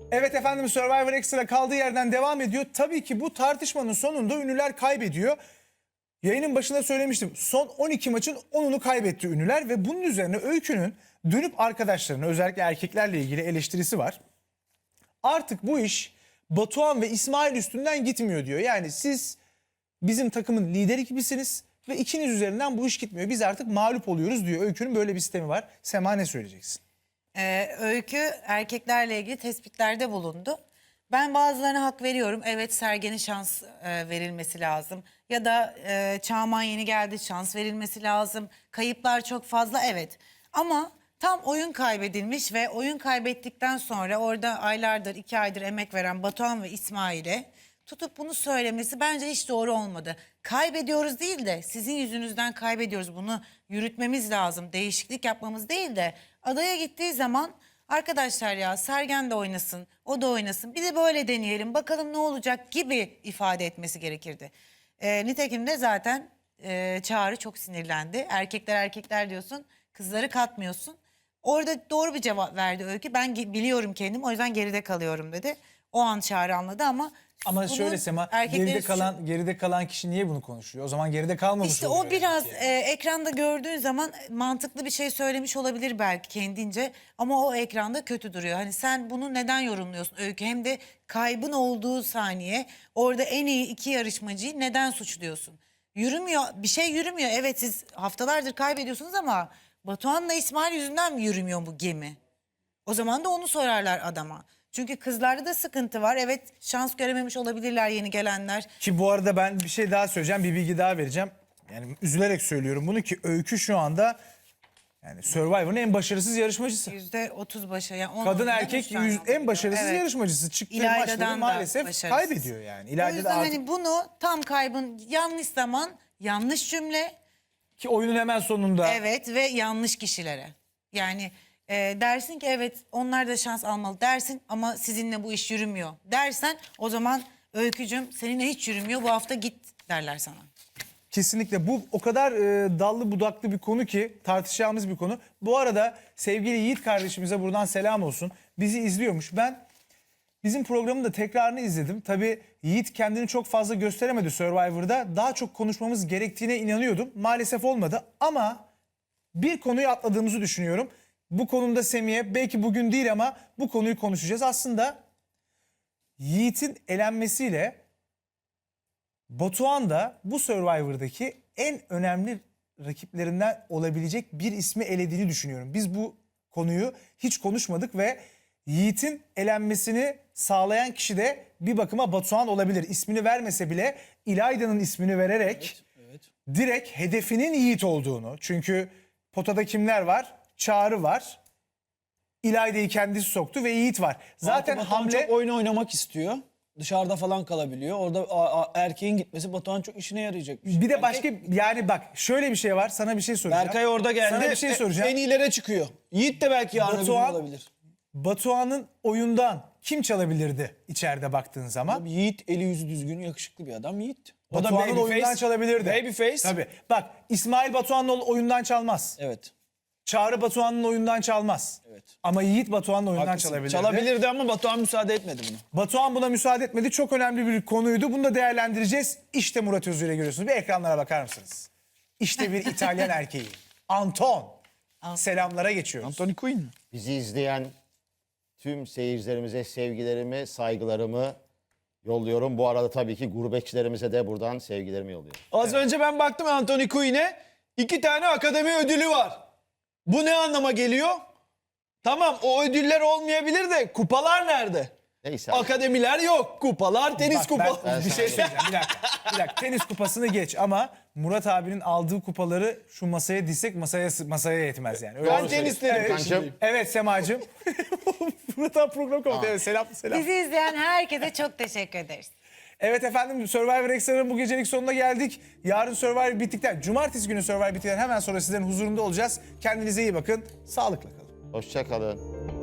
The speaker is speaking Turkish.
Evet efendim, Survivor Extra kaldığı yerden devam ediyor. Tabii ki bu tartışmanın sonunda ünlüler kaybediyor. Yayının başında söylemiştim. Son 12 maçın 10'unu kaybetti ünlüler ve bunun üzerine Öykü'nün dönüp arkadaşlarına, özellikle erkeklerle ilgili eleştirisi var. Artık bu iş Batuhan ve İsmail üstünden gitmiyor diyor. Yani siz bizim takımın lideri gibisiniz ve ikiniz üzerinden bu iş gitmiyor. Biz artık mağlup oluyoruz diyor. Öykü'nün böyle bir sistemi var. Sema, ne söyleyeceksin? Öykü erkeklerle ilgili tespitlerde bulundu. Ben bazılarına hak veriyorum. Evet, Sergen'e şans verilmesi lazım. Ya da Çağman yeni geldi, şans verilmesi lazım. Kayıplar çok fazla, evet. Ama tam oyun kaybedilmiş ve oyun kaybettikten sonra orada aylardır, 2 aydır emek veren Batuhan ve İsmail'e tutup bunu söylemesi bence hiç doğru olmadı. Kaybediyoruz değil de sizin yüzünüzden kaybediyoruz. Bunu yürütmemiz lazım. Değişiklik yapmamız değil de adaya gittiği zaman arkadaşlar ya Sergen de oynasın, o da oynasın. Bir de böyle deneyelim bakalım ne olacak gibi ifade etmesi gerekirdi. Nitekim de zaten Çağrı çok sinirlendi. Erkekler diyorsun, kızları katmıyorsun. Orada doğru bir cevap verdi Öykü. Ben biliyorum kendim, o yüzden geride kalıyorum dedi. O an Çağrı anladı ama Ama şöyle Sema, geride kalan kişi niye bunu konuşuyor? O zaman geride kalmamış İşte oluyor o biraz yani. ekranda gördüğün zaman mantıklı bir şey söylemiş olabilir belki kendince. Ama o ekranda kötü duruyor. Hani sen bunu neden yorumluyorsun Öykü? Hem de kaybın olduğu saniye orada en iyi 2 yarışmacıyı neden suçluyorsun? Yürümüyor, bir şey yürümüyor. Evet, siz haftalardır kaybediyorsunuz ama Batuhan'la İsmail yüzünden mi yürümüyor bu gemi? O zaman da onu sorarlar adama. Çünkü kızlarda da sıkıntı var. Evet, şans görememiş olabilirler yeni gelenler. Ki bu arada ben bir şey daha söyleyeceğim, bir bilgi daha vereceğim. Yani üzülerek söylüyorum bunu ki Öykü şu anda yani Survivor'ın en başarısız yarışmacısı. %30 başarı. Yani Kadın erkek en başarısız yarışmacısı. Çıktığı İlayda'dan maçları da maalesef başarısız. kaybediyor yani. O İlayda yüzden da artık hani bunu tam kaybın yanlış zaman, yanlış cümle, ki oyunun hemen sonunda. evet ve yanlış kişilere. Yani dersin ki evet onlar da şans almalı dersin ama sizinle bu iş yürümüyor dersen o zaman Öykücüm seninle hiç yürümüyor, bu hafta git derler sana. Kesinlikle bu o kadar dallı budaklı bir konu ki tartışacağımız bir konu. Bu arada sevgili Yiğit kardeşimize buradan selam olsun. Bizi izliyormuş. Ben bizim programın da tekrarını izledim. Tabii Yiğit kendini çok fazla gösteremedi Survivor'da. Daha çok konuşmamız gerektiğine inanıyordum. Maalesef olmadı ama bir konuyu atladığımızı düşünüyorum. Bu konuda Semih'e belki bugün değil ama bu konuyu konuşacağız. Aslında Yiğit'in elenmesiyle Batuhan da bu Survivor'daki en önemli rakiplerinden olabilecek bir ismi elediğini düşünüyorum. Biz bu konuyu hiç konuşmadık ve Yiğit'in elenmesini sağlayan kişi de bir bakıma Batuhan olabilir. İsmini vermese bile İlayda'nın ismini vererek direkt hedefinin Yiğit olduğunu. Çünkü potada kimler var? Çağrı var. İlayda'yı kendisi soktu ve Yiğit var. Zaten Batuhan hamle... çok oyun oynamak istiyor. Dışarıda falan kalabiliyor. Orada erkeğin gitmesi Batuhan çok işine yarayacak. Bir de başka yani bak şöyle bir şey var. Sana bir şey soracağım. Berkay orada geldi. Sana bir şey soracağım. En iyilere çıkıyor. Yiğit de belki yarın öbür gün olabilir. Batuhan'ın oyundan kim çalabilirdi içeride baktığın zaman? Tabii Yiğit eli yüzü düzgün, yakışıklı bir adam Yiğit. O da Batuhan'ın babyface. oyundan çalabilirdi. Babyface. Tabii. Bak İsmail Batuhan'ın oyundan çalmaz. Evet. Çağrı Batuhan'ın oyundan çalmaz. Evet. Ama Yiğit Batuhan'ın oyundan Haklısın. çalabilirdi. Çalabilirdi ama Batuhan müsaade etmedi buna. Batuhan buna müsaade etmedi. Çok önemli bir konuydu. Bunu da değerlendireceğiz. İşte Murat Özür'e görüyorsunuz. Bir ekranlara bakar mısınız? İşte bir İtalyan erkeği. Anton. Selamlara geçiyoruz. Anthony Quinn. Bizi izleyen tüm seyircilerimize sevgilerimi, saygılarımı yolluyorum. Bu arada tabii ki gurbetçilerimize de buradan sevgilerimi yolluyorum. Az önce ben baktım Anthony Quinn'e. 2 tane akademi ödülü var. Bu ne anlama geliyor? Tamam, o ödüller olmayabilir de kupalar nerede? Neyse. Akademiler yok. Kupalar, tenis Bak, kupaları. ben bir şey söyleyeceğim. Bir dakika. Bir dakika. Tenis kupasını geç ama Murat abinin aldığı kupaları şu masaya dizsek masaya yetmez yani. Öyle Ben söyleyeyim. tenisleri Evet. peşindeyim. Evet Semacığım. Murat abi program komutanı. Evet, selam. Bizi izleyen herkese çok teşekkür ederiz. Evet efendim, Survivor Extra'nın bu gecelik sonuna geldik. Yarın Survivor bittikten, cumartesi günü Survivor bittikten hemen sonra sizlerin huzurunda olacağız. Kendinize iyi bakın, sağlıkla kalın. Hoşça kalın.